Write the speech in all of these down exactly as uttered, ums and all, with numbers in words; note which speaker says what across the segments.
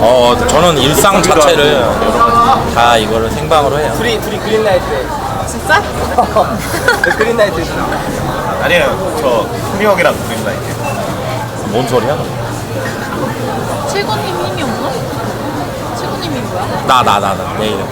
Speaker 1: 어 저는 일상 자체를 다 이거를 생방으로 해요.
Speaker 2: 둘이 둘이 그린라이트.
Speaker 3: 진짜?
Speaker 2: 그린라이트.
Speaker 4: 아니에요. 저 훈이 형이랑 그린라이트.
Speaker 1: 뭔 소리야?
Speaker 3: 칠구님 힘이 없나? 칠구님이 뭐야?
Speaker 1: 나 나 나 나 내 이름.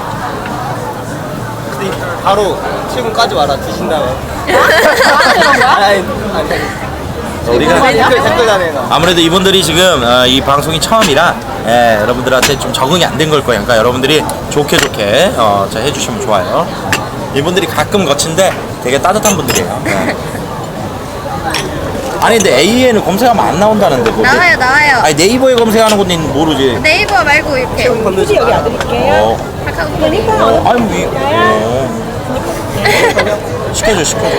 Speaker 2: 근데 바로 칠군까지 와라 드신 다음에.
Speaker 3: 그런 거야?
Speaker 2: 아니 아니.
Speaker 1: 우리가
Speaker 2: 댓글 댓글 다네 나.
Speaker 1: 아무래도 이분들이 지금 어, 이 방송이 처음이라 예, 여러분들한테 좀 적응이 안 된 걸 거예요. 그러니까 여러분들이 좋게 좋게 어, 자, 해주시면 좋아요. 이분들이 가끔 거친데 되게 따뜻한 분들이에요. 예. 아니 근데 에이이에이는 검색하면 안 나온다는데 거기?
Speaker 5: 나와요 나와요.
Speaker 1: 아니 네이버에 검색하는 건 모르지.
Speaker 5: 네이버 말고 이렇게
Speaker 2: 굳이 여기 안 드릴게요.
Speaker 1: 어,
Speaker 5: 카카오톡.
Speaker 1: 어 아니 뭐 이, 어. 시켜줘 시켜줘.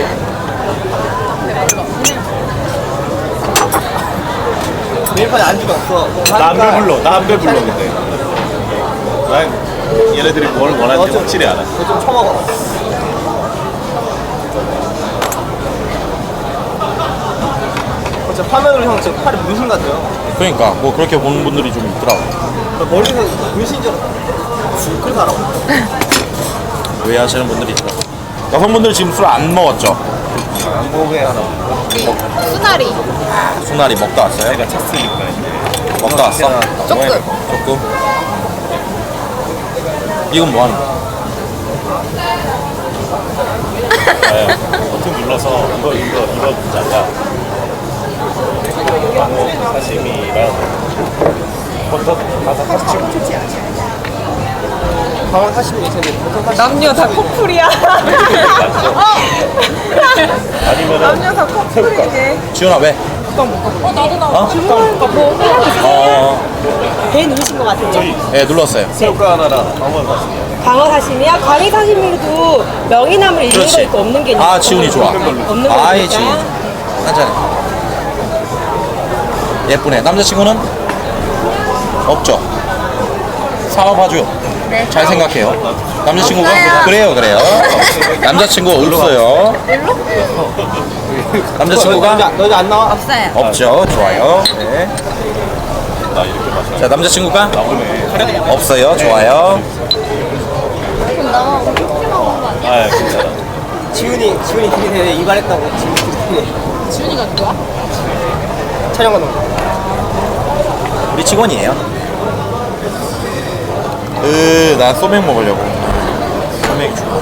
Speaker 2: 메뉴판에 안주가 없어.
Speaker 4: 남배 불러. 남배 불러 근데. 난 얘네들이 뭘 원하는지 확실히 알아.
Speaker 2: 그거 좀 처먹어. 저 화면으로 형 지금 팔이 문신 같아요.
Speaker 1: 그러니까 뭐 그렇게 보는 분들이 좀 있더라고.
Speaker 2: 머리에서 문신인 줄 알았어. 그래서 알아.
Speaker 1: 왜 하시는 분들이 있더라고. 여성분들 지금 술 안 먹었죠?
Speaker 4: 안 보게 하나.
Speaker 3: 수나리.
Speaker 1: 수나리 먹다 왔어요?
Speaker 4: 내가 찼으니까 이제.
Speaker 1: 먹다 왔어?
Speaker 3: 조금.
Speaker 1: 조금? 이건 뭐 하는 거야?
Speaker 4: 네, 버튼 눌러서 이거 이거 이거 문자가 광어 사시미랑 버터 가서 사시미.
Speaker 2: 방어 사시미 괜찮은데 보통 사시미.
Speaker 3: 남녀 다 커플이야.
Speaker 4: 아니면은
Speaker 3: 남녀 다 커플이지.
Speaker 1: 지훈아 왜?
Speaker 3: 어 나도 나.
Speaker 1: 어?
Speaker 3: 뭐
Speaker 1: 어,
Speaker 6: 배 누르신 것 같아요.
Speaker 4: 저희
Speaker 1: 예 눌렀어요.
Speaker 4: 새우가 하나랑 광어 사시미.
Speaker 6: 광어 사시미야? 광어 사시미도 명이나물 있는 거
Speaker 1: 그렇지.
Speaker 6: 있고 없는 게 있는
Speaker 1: 아
Speaker 6: 거.
Speaker 1: 지훈이 좋아.
Speaker 6: 없는 거
Speaker 1: 아이
Speaker 6: 있으니까.
Speaker 1: 지훈. 한잔해. 예쁘네. 남자친구는? 없죠? 사업하죠?
Speaker 5: 네.
Speaker 1: 잘 생각해요. 남자친구가?
Speaker 5: 없어요.
Speaker 1: 그래요 그래요. 남자친구 없어요. 남자친구가?
Speaker 2: 너, 너, 너안 나와?
Speaker 5: 없어요.
Speaker 1: 없죠. 좋아요. 네.
Speaker 4: 나 이렇게 마셔.
Speaker 1: 자 남자친구가?
Speaker 4: 나오네.
Speaker 1: 없어요. 좋아요.
Speaker 5: 그럼 나만 우리 팀만 온거 아니야?
Speaker 4: 아 괜찮아.
Speaker 2: 지훈이 지훈이 되게 이발했다고 지훈이 되게
Speaker 3: 지훈이가 누구야?
Speaker 2: 촬영 가는 거.
Speaker 1: 우리 직원이에요. 으, 난 소맥 먹으려고. 소맥 주.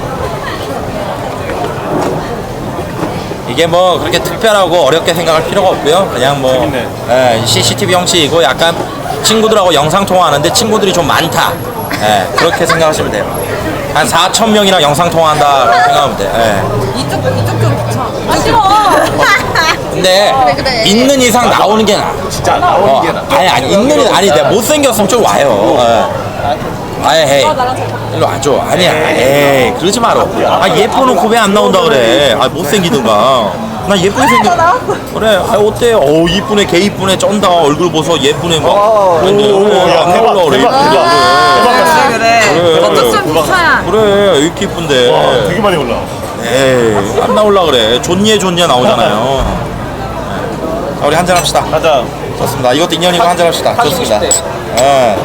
Speaker 1: 이게 뭐 그렇게 특별하고 어렵게 생각할 필요가 없고요. 그냥 뭐
Speaker 4: 재밌네.
Speaker 1: 예, 씨씨티비 형식이고 약간 친구들하고 영상 통화하는데 친구들이 좀 많다. 예, 그렇게 생각하시면 돼요. 한 사천 명이랑 영상 통화한다 생각하면 돼. 예.
Speaker 3: 이쪽 이쪽 좀 붙여. 아 싫어.
Speaker 1: 근데
Speaker 5: 그래, 그래.
Speaker 1: 있는 이상 나오는 게 나아.
Speaker 4: 진짜 나오는
Speaker 1: 어,
Speaker 4: 게 나.
Speaker 1: 아니 아니 있는 이 아니 내가 못생겼으면 좀 와요. 예. 아예 헤이 일로 와줘. 아니야 에이 그러지 마라. 아 예뻐놓고 왜 안 나온다 그래. 아 못생기든가. 나 예쁘게 생겼 그래. 아 어때. 어우 이쁘네 개 이쁘네 쩐다. 얼굴 보소 예쁘네 막.
Speaker 2: 오,
Speaker 1: 근데
Speaker 4: 오,
Speaker 1: 그래,
Speaker 4: 야,
Speaker 1: 안
Speaker 4: 대박,
Speaker 1: 나올라 그래.
Speaker 4: 대박,
Speaker 1: 이쁘다.
Speaker 4: 대박.
Speaker 3: 그래 그래. 저쪽 좀 붙여야.
Speaker 1: 그래 이렇게 이쁜데.
Speaker 4: 와 되게 많이 올라.
Speaker 1: 에이 안 나올라 그래. 좋니 좋니 나오잖아요. 네. 자 우리 한잔 합시다.
Speaker 4: 가자.
Speaker 1: 좋습니다. 이것도 인연이고 한잔 합시다.
Speaker 2: 사귀고
Speaker 1: 좋습니다.
Speaker 2: 싶대.
Speaker 1: 예.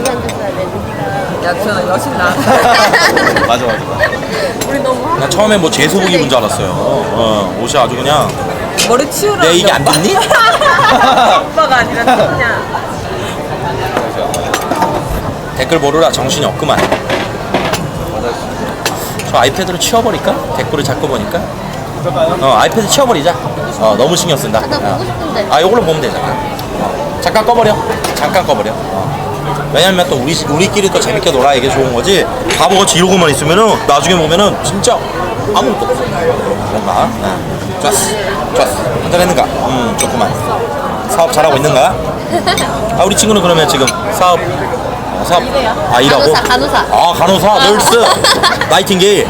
Speaker 3: 야 지훈아 여신 나.
Speaker 4: 맞아 맞아.
Speaker 3: 우리 너무
Speaker 1: 나 처음에 뭐 제소복 입은 줄 알았어요. 어, 옷이 아주 그냥
Speaker 3: 머리 치우라.
Speaker 1: 내 이게 안 좋니?
Speaker 3: 오빠가 아니라 친구냐.
Speaker 1: 댓글 보느라 정신이 없구만. 저 아이패드로 치워버릴까? 댓글을 자꾸 보니까. 어 아이패드 치워버리자. 어 너무 신경 쓴다.
Speaker 5: 나 보고 싶은데.
Speaker 1: 아 이걸로 보면 되잖아. 어, 잠깐 꺼버려. 잠깐 꺼버려. 어. 왜냐면 또 우리 우리끼리 또 재밌게 놀아 이게 좋은 거지. 바보같이 이러고만 있으면은 나중에 보면은 진짜 아무것도 없어. 뭔가. 네. 좋았어. 좋았어. 한잔 했는가? 음 좋구만. 사업 잘하고 있는가? 아 우리 친구는 그러면 지금 사업 어, 사업 아 일하고
Speaker 5: 간호사, 간호사.
Speaker 1: 아 간호사 널스 나이팅게일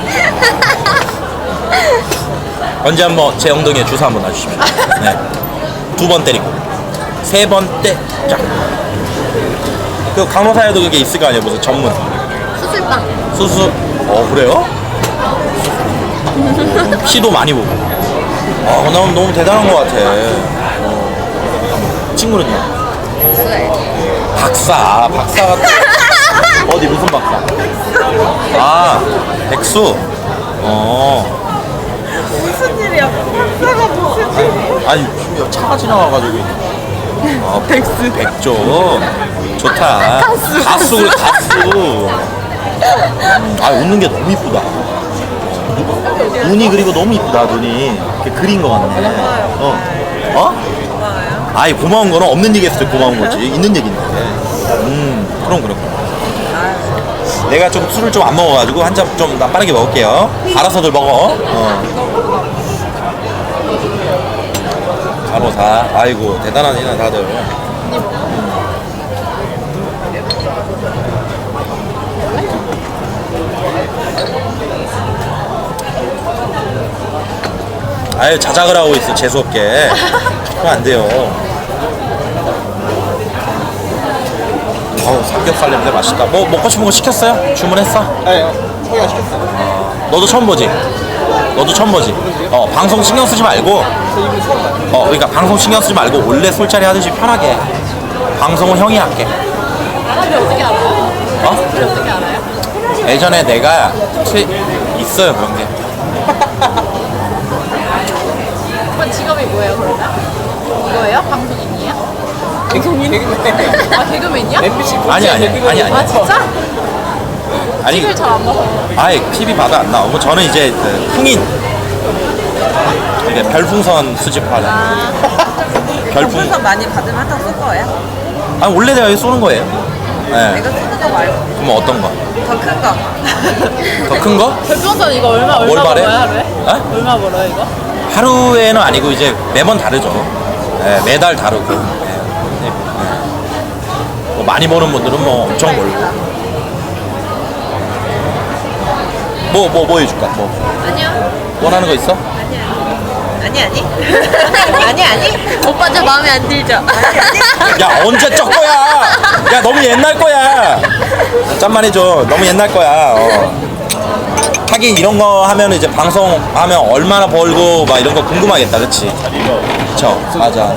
Speaker 1: 언제 한번 제 엉덩이에 주사 한번 놔주십시오. 네. 두 번 때리고 세 번 때 쫙. 그 간호사에도 그게 있을 거 아니에요 무슨 전문
Speaker 5: 수술방.
Speaker 1: 수술. 어 그래요? 어, 피도 많이 보고. 아 난 너무 대단한 것 같아. 어. 친구는요?
Speaker 5: 수술.
Speaker 1: 박사. 아, 박사가 또 어디 무슨 박사? 아, 백수. 어.
Speaker 3: 무슨 일이야? 박사가 무슨 일이야?
Speaker 1: 아니 차가 지나와가지고. 어, 백수. 백조. 좋다. 가수. 가수 그래 가수. 아 웃는 게 너무 이쁘다. 어, 눈이 그리고 너무 이쁘다 눈이. 이렇게 그린 거 같네. 어. 어?
Speaker 3: 고마워요.
Speaker 1: 아이 고마운 거는 없는 얘기 했을 때 고마운 거지. 있는 얘기인데. 음 그럼 그럼. 내가 좀 술을 좀 안 먹어가지고 한 잔 좀 빠르게 먹을게요. 알아서들 먹어. 어. 간호사. 아이고 대단하시네 다들. 아유 자작을 하고 있어 재수없게. 그럼 안 돼요. 어우 삼겹살 냄새 맛있다. 뭐 먹고 싶은 거 시켰어요? 주문했어?
Speaker 2: 네, 소개가 시켰어요.
Speaker 1: 너도 처음 보지? 너도 처음 보지? 어 방송 신경 쓰지 말고
Speaker 2: 저 이분 처음 봐요.
Speaker 1: 어 그러니까 방송 신경 쓰지 말고 원래 술자리 하듯이 편하게 방송은 형이 할게.
Speaker 5: 나한테 어떻게 알아요?
Speaker 1: 어?
Speaker 5: 우리 어떻게 알아요?
Speaker 1: 예전에 내가 트... 있어요 그런 게.
Speaker 5: 오빠 직업이 뭐예요 그러면? 이거예요? 방송인이에요?
Speaker 2: 방송인?
Speaker 5: 아 개그맨이야?
Speaker 2: 엠비씨
Speaker 1: 아니 아니 아니 아니
Speaker 5: 아 진짜?
Speaker 1: 아니
Speaker 5: 티비를 잘 안 봐서
Speaker 1: 아예 티비 봐도 안 나오고 저는 이제 그 풍인 이게 별풍선 수집하는 별풍.
Speaker 3: 별풍선 많이 받으면 한장 쏠 거예요?
Speaker 1: 아 원래 내가 여기 쏘는 거예요. 네.
Speaker 3: 내가 쓰는 거 말고
Speaker 1: 그럼 어떤 거?
Speaker 3: 더 큰 거.
Speaker 1: 더 큰 거?
Speaker 5: 별풍선 이거 얼마 얼마
Speaker 1: 월 발에?
Speaker 5: 벌어요 하루에?
Speaker 1: 어?
Speaker 5: 얼마 벌어요 이거?
Speaker 1: 하루에는 아니고 이제 매번 다르죠. 네, 매달 다르고. 네. 네. 뭐 많이 버는 분들은 뭐 엄청 벌고. 뭐 뭐 뭐 해줄까? 뭐
Speaker 5: 아니요
Speaker 1: 원하는 거 있어?
Speaker 3: 아니 아니. 아니 아니.
Speaker 5: 오빠 저 마음에 안 들죠?
Speaker 1: 야 언제 적 거야? 야 너무 옛날 거야. 짠만 해줘. 너무 옛날 거야. 어. 하긴 이런 거 하면 이제 방송하면 얼마나 벌고 막 이런 거 궁금하겠다, 그렇지? 그쵸? 맞아.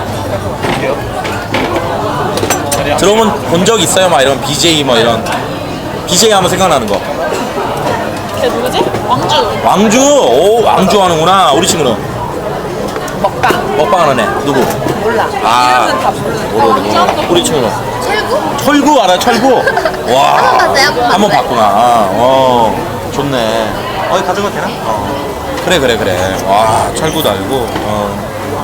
Speaker 1: 들어오면 본 적 있어요? 막 이런 비제이 뭐 이런 비제이 하면 생각나는 거.
Speaker 5: 걔 누구지? 왕주
Speaker 1: 왕주, 오 왕주 하는구나. 우리 친구는
Speaker 3: 먹방.
Speaker 1: 먹방하는 애 누구?
Speaker 3: 몰라.
Speaker 1: 아.
Speaker 3: 이름은 다 모르는.
Speaker 1: 모르고. 우리 친구는
Speaker 5: 철구?
Speaker 1: 철구 알아? 철구? 와.
Speaker 5: 한번 봤어요? 한번
Speaker 1: 한번
Speaker 5: 봤어요.
Speaker 1: 봤구나. 어, 좋네. 어, 가져가도 되나? 어. 그래, 그래, 그래. 와, 철구도 알고. 어.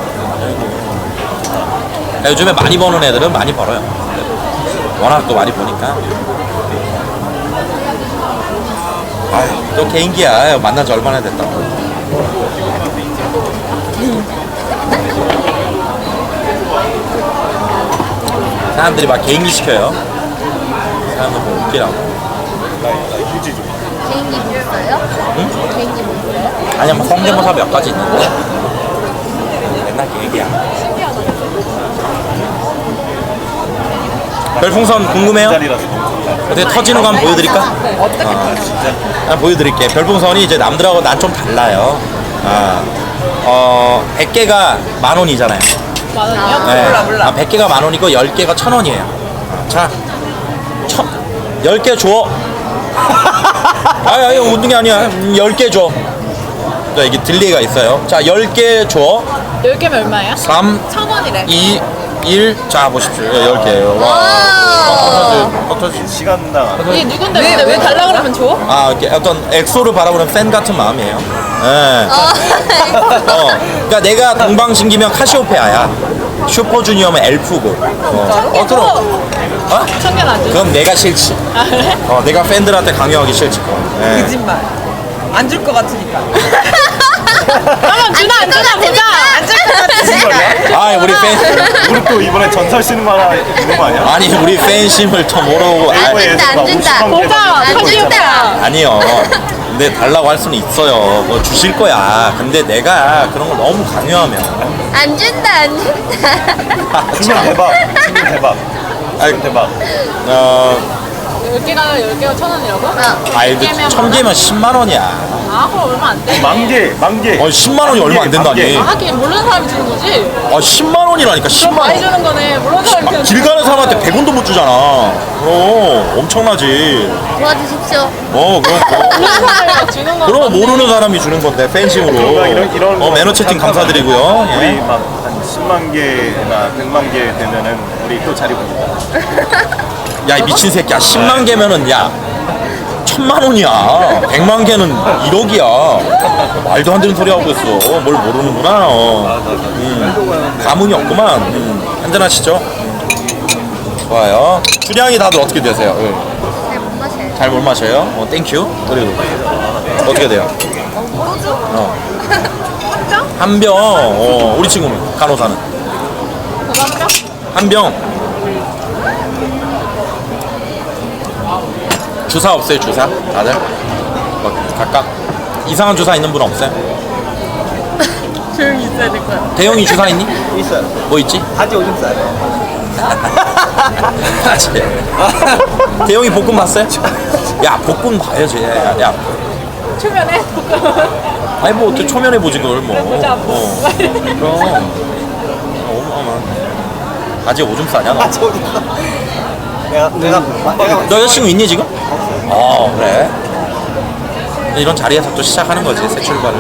Speaker 1: 아이고. 요즘에 많이 버는 애들은 많이 벌어요. 워낙 또 많이 보니까. 아유, 또 개인기야. 만난 지 얼마나 됐다고. 사람들이 막 개인기 시켜요. 사람들 뭐 웃기라고.
Speaker 4: 휴지 좀.
Speaker 5: 개인기 뭐 있어요?
Speaker 1: 응?
Speaker 5: 개인기 뭐 있어요?
Speaker 1: 아니야, 뭐 성대모사 몇 가지 있는데. 맨날 개인기야. 별풍선 궁금해요?
Speaker 4: 자리라서 너무 좋다.
Speaker 1: 어떻게 터지는 거 한번 보여드릴까?
Speaker 3: 어떻게
Speaker 1: 어. 한번 보여드릴게. 별풍선이 이제 남들하고 난 좀 달라요. 아, 어, 백 개가 만 원이잖아요.
Speaker 5: 만 원이요?
Speaker 1: 네.
Speaker 3: 몰라, 몰라.
Speaker 1: 아, 백 개가 만 원이고 열 개가 천 원이에요. 자, 천, 열 개 줘. 아니, 아니, 웃는 게 아니야. 열 개 줘. 자, 이게 딜레이가 있어요. 자, 열 개 줘.
Speaker 5: 열 개면 얼마예요?
Speaker 1: 삼,
Speaker 5: 천 원이래
Speaker 1: 이, 일. 자, 보십시오. 열 개예요. 와. 어, 터지.
Speaker 4: 시간당
Speaker 5: 이게 누군데
Speaker 3: 왜,
Speaker 5: 근데 왜
Speaker 3: 왜
Speaker 5: 달라 그러면 줘?
Speaker 1: 아, 이렇게 어떤 엑소를 바라보는 팬 같은 마음이에요. 예. 어, 그러니까 내가 동방신기면 카시오페아야. 슈퍼주니어면 엘프고. 어, 어 그럼. 어?
Speaker 5: 청년 안 줘?
Speaker 1: 그럼 내가 싫지.
Speaker 5: 아 그래?
Speaker 1: 어, 내가 팬들한테 강요하기 싫지. 예.
Speaker 3: 거짓말. 안 줄 것 같으니까.
Speaker 5: 그러면 주나 안 주나 보자
Speaker 3: 안 줄 것 같으니까.
Speaker 1: 아, 우리 팬.
Speaker 4: 우리 또 이번에 전설 쓰는 거 하나 있는 거 아니야?
Speaker 1: 아니, 우리 팬심을 더 모르고. 아,
Speaker 4: 안 준다
Speaker 5: 보자 카시오페아
Speaker 1: 아니요. 근데 달라고 할 수는 있어요. 뭐 주실 거야. 근데 내가 그런 걸 너무 강요하면.
Speaker 5: 안 준다 안 준다
Speaker 4: 주면 대박. 주면 대박. 주면 대박.
Speaker 1: 어,
Speaker 7: 열 개가 열 개가 천 원이라고?
Speaker 1: 아이 근데 천 개면 십만 원이야.
Speaker 7: 아 그럼 얼마 안 돼.
Speaker 4: 만개, 만개.
Speaker 1: 어 십만 원이 얼마 안 된다니.
Speaker 7: 아 하긴 모르는 사람이 주는 거지.
Speaker 1: 아 십만 원이라니까
Speaker 7: 그럼
Speaker 1: 십만
Speaker 7: 많이
Speaker 1: 원.
Speaker 7: 주는 거네. 모르는 사람이 주는
Speaker 1: 길 가는 사람한테 백 원도 못 주잖아. 어 엄청나지.
Speaker 5: 도와주십시오.
Speaker 1: 어 그럼 뭐.
Speaker 7: 모르는 사람이 주는 거.
Speaker 1: 그럼 모르는 사람이 주는 건데 팬심으로.
Speaker 4: 이런- 이런
Speaker 1: 어
Speaker 4: 거
Speaker 1: 매너 채팅
Speaker 4: 잠깐만.
Speaker 1: 감사드리고요.
Speaker 4: 우리
Speaker 1: 예.
Speaker 4: 막 한 십만 개나 백만 개 되면은 우리 또 자리 봅니다.
Speaker 1: 야 이 미친 새끼야 십만 개면은 야 천만 원이야. 백만 개는 일억이야. 말도 안 되는 소리 하고 있어. 뭘 모르는구나. 어. 음, 감흥이 없구만. 음, 한잔 하시죠. 좋아요. 주량이 다들 어떻게 되세요? 응.
Speaker 5: 잘 못 마셔요.
Speaker 1: 잘 못 마셔요? 어, 땡큐. 그리고 어떻게 돼요? 어. 한 병. 어, 우리 친구는 간호사는 한 병. 주사 없어요? 주사? 다들? 뭐, 각각 이상한 주사 있는 분 없어요?
Speaker 3: 조용히 있어야 될 거야.
Speaker 1: 대영이 주사 있니?
Speaker 2: 있어요.
Speaker 1: 뭐 있지?
Speaker 2: 바지 오줌 싸요.
Speaker 1: 맞지. 대영이 복근 봤어요? 야 복근 봐야지. 야, 야.
Speaker 7: 초면에
Speaker 1: 아니 뭐 어떻게 초면에 보지 그걸 뭐.
Speaker 7: 보자, 뭐.
Speaker 1: 어. 그럼. 어마어마. 바지 오줌 싸냐 너?
Speaker 2: 바지 오줌 싸. 내가 내가 내가
Speaker 1: 너 여자친구 있니 지금? 어 그래. 이런 자리에서 또 시작하는 거지 새 출발을.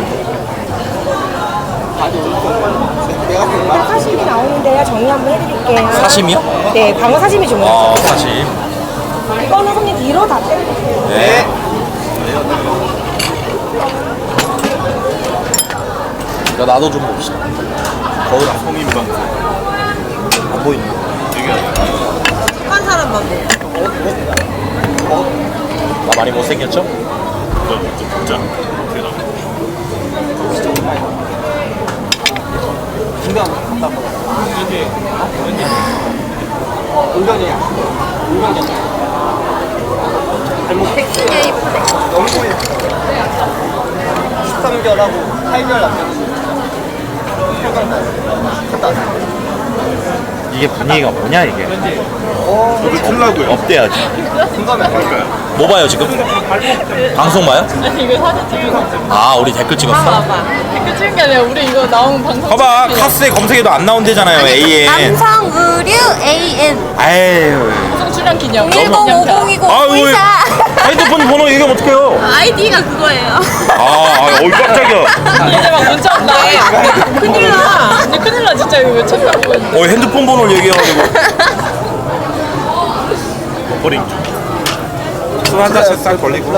Speaker 6: 사심이 나오는데요. 정리 한번 해드릴게요.
Speaker 1: 사심이요?
Speaker 6: 네, 광어 사심이 주문했어요.
Speaker 1: 어 사심.
Speaker 6: 이거는 손님 뒤로 다 빼주세요.
Speaker 1: 네. 야 나도 좀 봅시다. 거울 안
Speaker 4: 성인방.
Speaker 1: 안 보이네.
Speaker 3: 착한 사람만 먹어.
Speaker 1: 나 많이 못생겼죠?
Speaker 4: 진짜.
Speaker 2: 중간 갔다 와. 운전이야. 운전이야. 발목
Speaker 5: 백승에 이쁘네.
Speaker 2: 너무 보여. 십삼 개월하고 팔 개월 남겼어. 갔다 왔어.
Speaker 1: 이게 분위기가 뭐냐 이게?
Speaker 4: 저도 틀라고요.
Speaker 1: 업돼야지.
Speaker 2: 공감이 안 돼.
Speaker 1: 뭐 봐요 지금? 방송 봐요?
Speaker 7: 아니 이거 사진 찍은
Speaker 1: 아 우리 댓글 찍었어?
Speaker 7: 봐봐. 댓글 찍은 게 아니라 우리 이거 나온 방송.
Speaker 1: 봐봐
Speaker 7: 찍은 게
Speaker 1: 카스에 검색해도 안 나온대잖아요 에이엔.
Speaker 5: 남성 의류 에이엔
Speaker 1: 아유.
Speaker 7: 방송 출연 기념.
Speaker 5: 일공오공이공
Speaker 1: 아유
Speaker 5: 구이사.
Speaker 1: 핸드폰 번호 얘기하면 어떡해요?
Speaker 5: 아이디가 그거예요.
Speaker 1: 아, 아 어이 깜짝이야.
Speaker 7: 이제 막 문자 온다. 큰일 나. 이제 큰일 나 진짜 이거 왜 찾아보고 있는데.
Speaker 1: 어 핸드폰 번호를 얘기해가지고.
Speaker 4: 버링.
Speaker 1: 술한 잔씩 싹 걸리고.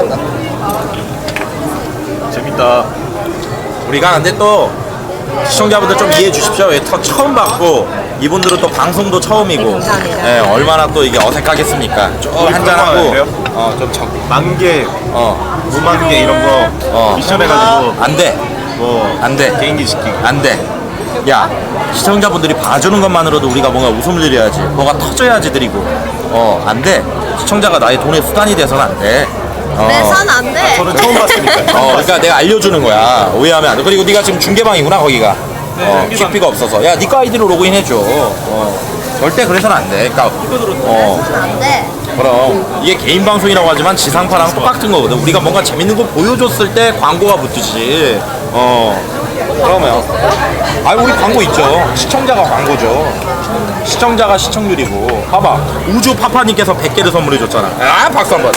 Speaker 4: 재밌다.
Speaker 1: 우리가 근데 또 시청자분들 좀 이해해 주십시오. 예, 터 처음 봤고 이분들은 또 방송도 처음이고.
Speaker 3: 네, 감사합니다.
Speaker 1: 예, 얼마나 또 이게 어색하겠습니까? 좀 한잔 하고. 어좀 적.
Speaker 4: 만개,
Speaker 1: 어.
Speaker 4: 무만 개 이런 거
Speaker 1: 어.
Speaker 4: 미션 해가지고
Speaker 1: 안 돼.
Speaker 4: 뭐
Speaker 1: 안 돼.
Speaker 4: 개인기 시키기.
Speaker 1: 안 돼. 야, 시청자분들이 봐주는 것만으로도 우리가 뭔가 웃음을 드려야지. 뭐가 터져야지 드리고. 어, 안 돼. 시청자가 나의 돈의 수단이 돼서는 안 돼. 어.
Speaker 5: 내선 안 돼.
Speaker 4: 저는 처음 봤으니까.
Speaker 1: 어, 그러니까 내가 알려주는 거야. 오해하면 안 돼. 그리고 네가 지금 중계방이구나, 거기가. 어, 퀵비가 없어서. 야, 니꺼 아이디로 로그인 해줘. 어, 절대 그래서는 안 돼. 그러니까, 어,
Speaker 5: 내선 안 돼.
Speaker 1: 그럼 이게 개인 방송이라고 하지만 지상파랑 똑같은 거거든. 우리가 뭔가 재밌는 거 보여줬을 때 광고가 붙듯이. 어, 그러면. 아, 우리 광고 있죠. 시청자가 광고죠. 시청자가 시청률이고. 봐봐, 우주 파파님께서 백 개를 선물해 줬잖아. 아, 박수 한 번.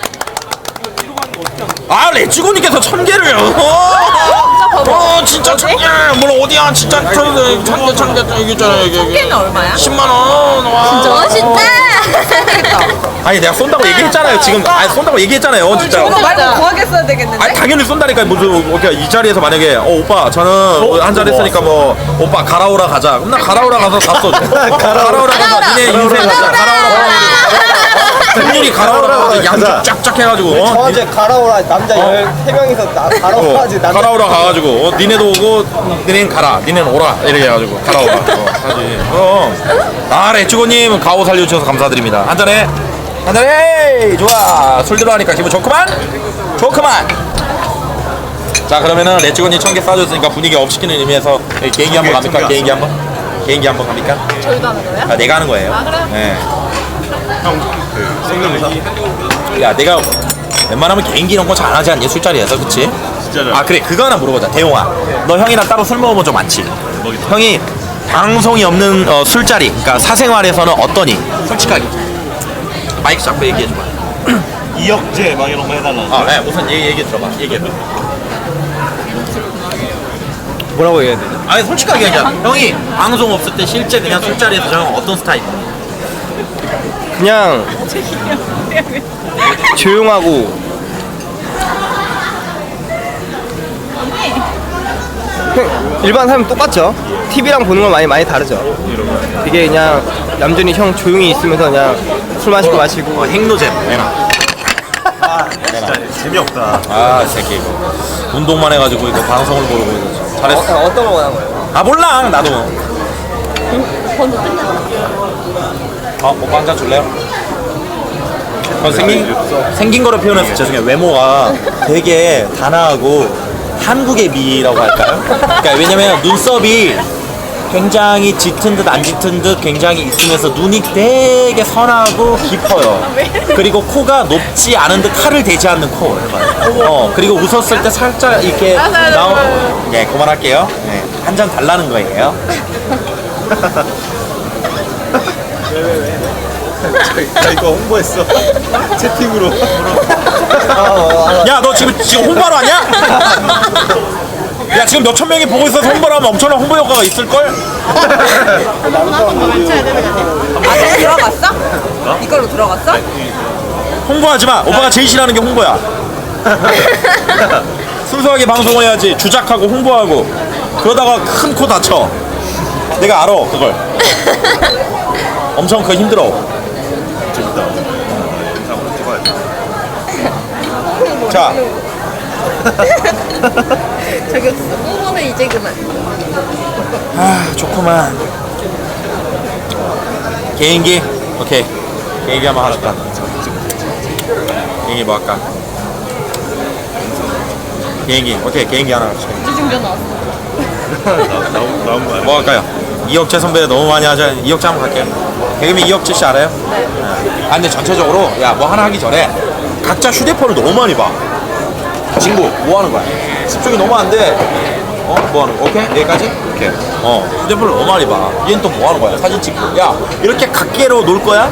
Speaker 1: 아, 레츠고님께서 천 개를. 어, 어, 진짜 천 개. 물론 어디야, 진짜 천 개, 천 개, 천 개, 여기 있잖아, 여기. 천
Speaker 3: 개는 얼마야?
Speaker 1: 십만 원. 와.
Speaker 5: 멋있다.
Speaker 1: 아니, 내가 쏜다고 얘기했잖아요. 지금, 아니, 쏜다고 얘기했잖아요. 진짜.
Speaker 3: 저거 말고 구하게 써야 되겠는데?
Speaker 1: 아니, 당연히 쏜다니까. 무슨, 이렇게 이 자리에서 만약에, 어, 오빠, 저는 한잔 했으니까 뭐, 오빠, 가라오라 가자. 그럼 나 가라오라 가서 다 쏘죠. 가라오라 가자. 니네 인생 가자. 가라오라 가자. 분들이 가라오라 가서 양쪽 쫙쫙 해가지고, 어?
Speaker 2: 저 어제 가라오라 남자 열세 명이서 나 가라오라 하지. 남자
Speaker 1: 가라오라 가가지고, 어, 니네도 오고, 니네는 가라. 니네는 오라. 이렇게 해가지고, 가라오라. 어, 하지. 그럼. 아, 레츠고님, 가오 살려주셔서 감사드립니다. 한잔해. 한잔해! 좋아. 술 들어가니까 기분 좋구만? 좋구만! 자, 그러면은 레츠고님 천 개 쏴줬으니까 분위기 업시키는 의미에서 개인기 한번 갑니까? 개인기 한번? 개인기 한번 갑니까?
Speaker 7: 저희도 하는 거예요?
Speaker 1: 아, 내가 하는 거예요.
Speaker 7: 아, 그래요?
Speaker 1: 네.
Speaker 4: 형그 성대모사?
Speaker 1: 야 내가 웬만하면 개인기 이런 거 잘하지 않니? 술자리에서 그치?
Speaker 4: 진짜로.
Speaker 1: 아 그래 그거 하나 물어보자. 대용아 너 형이랑 따로 술 먹어본 적 많지? 형이 방송이 없는 어, 술자리 그러니까 사생활에서는 어떠니? 솔직하게 마이크 잡고 얘기해줘봐.
Speaker 4: 이혁재 막 이런 거 해달라.
Speaker 1: 아, 네, 우선 얘기, 얘기 들어봐. 얘기해봐.
Speaker 2: 뭐라고 얘기해야 되냐?
Speaker 1: 아니 솔직하게 얘기하자. 형이 방송 없을 때 실제 그냥 술자리에서 형은 어떤 스타일이야?
Speaker 2: 그냥 조용하고 그냥 일반 사람 똑같죠. 티비랑 보는 건 많이 많이 다르죠. 되게 그냥 얌전히 형 조용히 있으면서 그냥 술 마시고 마시고
Speaker 1: 어, 행노잼 내놔.
Speaker 4: 진짜 재미없다.
Speaker 1: 아, 이 새끼 이거 운동만 해가지고 이거 방송을 모르고 이거 잘했어.
Speaker 2: 어, 어떤 거 원하는 거예요?
Speaker 1: 아 몰라 나도. 어, 오빠 한잔 줄래요? 전 생긴 생긴 거로 표현해서 죄송해요. 외모가 되게 단아하고 한국의 미라고 할까요? 그러니까 왜냐면 눈썹이 굉장히 짙은 듯 안 짙은 듯 굉장히 있으면서 눈이 되게 선하고 깊어요. 그리고 코가 높지 않은 듯 칼을 대지 않는 코. 어 그리고 웃었을 때 살짝 이렇게 나오. 네 그만할게요. 네, 한 잔 달라는 거예요.
Speaker 4: 나 이거 홍보했어. 채팅으로.
Speaker 1: 야 너 지금 지금 홍보하러 왔냐? 야 지금 몇천 명이 보고 있어서 홍보를 하면 엄청난 홍보 효과가 있을걸?
Speaker 3: 아, 들어갔어? 이걸로 들어갔어?
Speaker 1: 홍보하지 마. 오빠가 제일 싫어하는 게 홍보야. 순수하게 방송을 해야지. 주작하고 홍보하고 그러다가 큰 코 다쳐. 내가 알아 그걸. 엄청 그거 힘들어.
Speaker 4: 재밌다. 영상으로 찍어야 돼.
Speaker 1: 자
Speaker 5: 저기 홍보는 이제 그만.
Speaker 1: 아 좋구만. 개인기 오케이. 개인기 한번 하실까? 개인기 뭐 할까? 개인기 오케이. 개인기 하나 합시다.
Speaker 5: 주중전 나왔어.
Speaker 4: 나- 나온 나온 거야.
Speaker 1: 뭐 할까요? 이혁재 선배 너무 많이 하자. 이혁재 한번 갈게요. 개그맨 이혁재 씨 알아요? 네. 아 근데 전체적으로 야 뭐 하나 하기 전에 각자 휴대폰을 너무 많이 봐. 친구 뭐 하는 거야? 집중이 너무 안 돼. 어? 뭐 하는 거? 오케이? 여기까지? 오케이. 어 휴대폰을 너무 많이 봐. 얘는 또 뭐 하는 거야? 사진 찍고. 야 이렇게 각계로 놀 거야?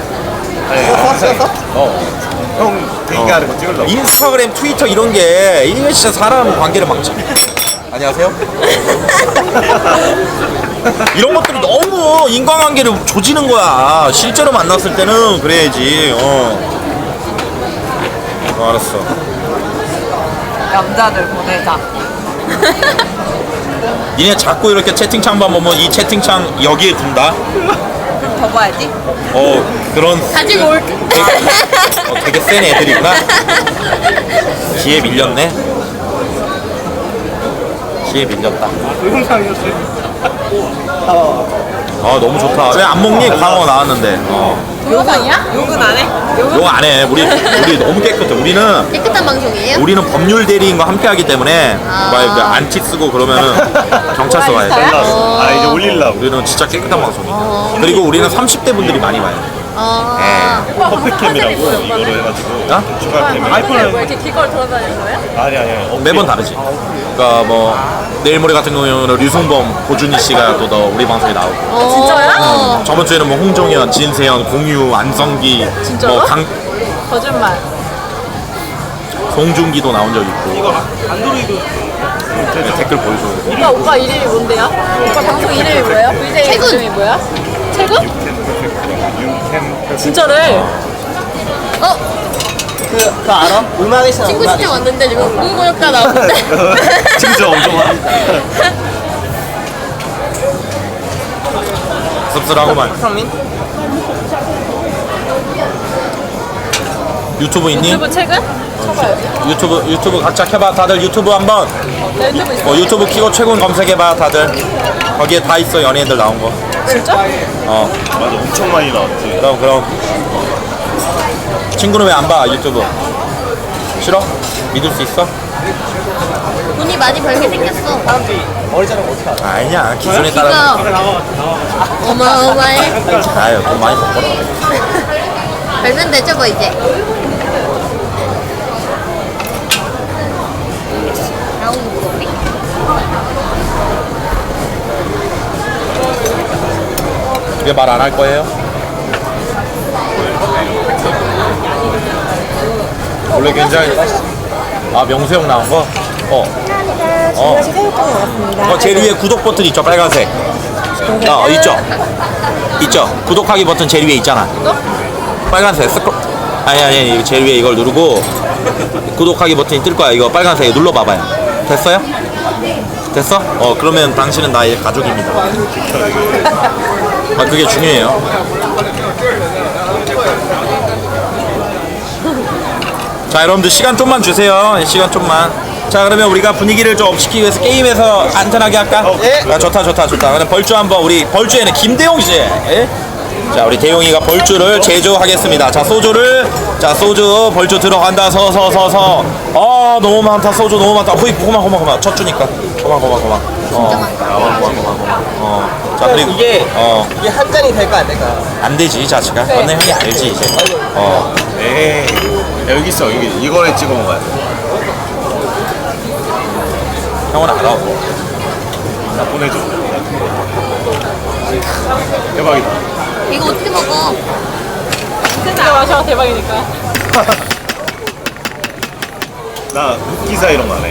Speaker 1: 어.
Speaker 4: 형 대기 하는 거 찍으려고.
Speaker 1: 인스타그램, 트위터 이런 게 이게 진짜 사람 관계를 망쳐. 안녕하세요. 이런 것들이 너무 인간관계를 조지는 거야. 실제로 만났을 때는 그래야지. 어. 어 알았어.
Speaker 3: 남자들 보내자.
Speaker 1: 니네 자꾸 이렇게 채팅창만 보면 이 채팅창 여기에 둔다.
Speaker 3: 그럼 더 봐야지.
Speaker 1: 어 그런
Speaker 5: 가지고 올게.
Speaker 1: 어, 되게 센 애들이구나. 기에 밀렸네. 기에 밀렸다. 아 너무 좋다. 왜 안 먹니? 광어 나왔는데. 어.
Speaker 5: 영상이야?
Speaker 3: 욕은 안 해? 욕은
Speaker 1: 이거 안 해. 우리 우리 너무 깨끗해. 우리는
Speaker 5: 깨끗한 방송이에요?
Speaker 1: 우리는 법률 대리인과 함께하기 때문에 막 안티 쓰고 그러면은 경찰서 가야 돼.
Speaker 4: 올랐어. 아 이제 올리려고.
Speaker 1: 우리는 진짜 깨끗한 방송이야. 그리고 우리는 삼십 대 분들이 많이 봐요.
Speaker 5: 아.
Speaker 4: 퍼펙캠이라고 이거로 해가지고
Speaker 1: 어?
Speaker 4: 추가 캠.
Speaker 7: 아이폰을 뭐 이렇게 기걸 돌아다니는 거야?
Speaker 4: 아니 아니 아니.
Speaker 1: 매번 다르지. 그러니까 뭐 내일 모레 같은 경우에는 류승범, 고준희 씨가 또 더 우리 방송에 나오고.
Speaker 5: 어. 진짜요?
Speaker 1: 저번 주에는 뭐 홍정현, 진세현, 공유, 안성기,
Speaker 7: 진짜로?
Speaker 1: 뭐 강,
Speaker 7: 거짓말.
Speaker 1: 송중기도 나온 적 있고. 네, 댓글 보여줘.
Speaker 7: 오빠 오빠 이름이 뭔데요? 오빠 방송 이름이 뭐예요? 브이제이
Speaker 5: 최군.
Speaker 7: 이름이 뭐야? 최군? 진짜래.
Speaker 5: 어?
Speaker 2: 그, 그거 알아? 음악의 시간
Speaker 5: 친구
Speaker 2: 음악.
Speaker 5: 신청 왔는데 지금 홍보효과 나오는데.
Speaker 4: 진짜 엄청 많아.
Speaker 1: 씁쓸하고만.
Speaker 2: 박상민?
Speaker 1: 유튜브 있니?
Speaker 7: 유튜브 최근? 쳐봐야지.
Speaker 1: 유튜브 유튜브 각자 켜봐. 다들 유튜브 한번.
Speaker 7: 나 유튜브 있어.
Speaker 1: 어, 유튜브 키고 최근 검색해봐. 다들. 거기에 다 있어. 연예인들 나온 거.
Speaker 7: 진짜?
Speaker 1: 어.
Speaker 4: 맞아 엄청 많이 나왔지.
Speaker 1: 그럼 그럼. 친구는 왜 안 봐? 유튜브. 싫어? 믿을 수 있어?
Speaker 5: 돈이 많이 벌게 생겼어.
Speaker 2: 머리 자르면 어떻게 알아?
Speaker 1: 아니야. 기준에 따라.
Speaker 5: 기가 어마어마해.
Speaker 1: 아유 돈 많이 벌어.
Speaker 5: 별면 되죠 뭐 이제. 라운 목소리.
Speaker 1: 왜 말 안 할 거예요? 원래 굉장히 아 명수형 나온 거? 어. 어.
Speaker 6: 새우깡 나왔습니다.
Speaker 1: 어 제일 위에 구독 버튼 있죠 빨간색. 어 있죠. 있죠. 구독하기 버튼 제일 위에 있잖아. 빨간색 스크롤. 아니 아니 아니 제일 위에 이걸 누르고 구독하기 버튼이 뜰 거야. 이거 빨간색 눌러 봐봐요. 됐어요? 됐어? 어 그러면 당신은 나의 가족입니다. 아 그게 중요해요. 자 여러분들 시간 좀만 주세요. 시간 좀만. 자 그러면 우리가 분위기를 좀 업시키기 위해서 게임에서 안전하게 할까?
Speaker 2: 예.
Speaker 1: 아, 좋다 좋다 좋다. 그럼 벌주 한번 우리 벌주에는 김대용 씨. 예? 자 우리 대용이가 벌주를 제조하겠습니다. 자 소주를 자 소주 벌주 들어간다 서서 서서 아 너무 많다 소주 너무 많다. 호이 고마 고마 고마 첫 주니까 고마 고마 고마. 어. 고마 고마 고마. 어. 자 그리고
Speaker 2: 이게
Speaker 1: 어.
Speaker 2: 이게 한 잔이 될까 안 될까?
Speaker 1: 안 되지 이 자식아. 너네 형이 알지 이제. 어.
Speaker 4: 에이 야, 여기 있어 여기 이거에 찍어 먹어야 돼.
Speaker 1: 형은 알아.
Speaker 4: 나 보내줘. 대박이다.
Speaker 5: 이거 어떻게 먹어?
Speaker 7: 진짜 마셔 대박이니까.
Speaker 4: 나 흑기사 이런 거 안 해.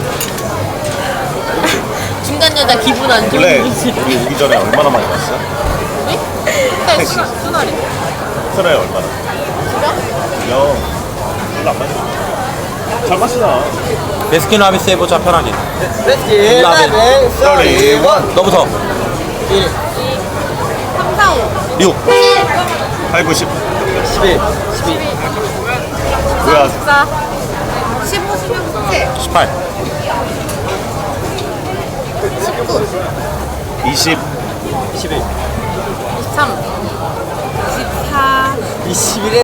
Speaker 5: 중간 여자 기분 안 좋은
Speaker 4: 원래
Speaker 5: 거지.
Speaker 4: 우리 오기 전에 얼마나 많이 마셨어?
Speaker 7: 네? 수나 수나리.
Speaker 4: 설에 얼마나? 영. 별로 안 마셔. 잘 마시나?
Speaker 1: 베스킨 라빈스 해보자 편하게.
Speaker 2: 렛츠
Speaker 1: 라멘.
Speaker 2: 쏘리 원
Speaker 1: 너부터.
Speaker 2: 일
Speaker 5: 삼, 사, 오.
Speaker 1: 육.
Speaker 4: 팔, 구, 십.
Speaker 2: 십일 십이
Speaker 4: 뭐야?
Speaker 7: 십사.
Speaker 5: 십오, 십육, 십칠,
Speaker 1: 십팔.
Speaker 5: 십구,
Speaker 4: 이십.
Speaker 2: 이십일
Speaker 7: 이십삼.
Speaker 3: 이십사
Speaker 2: 이십일에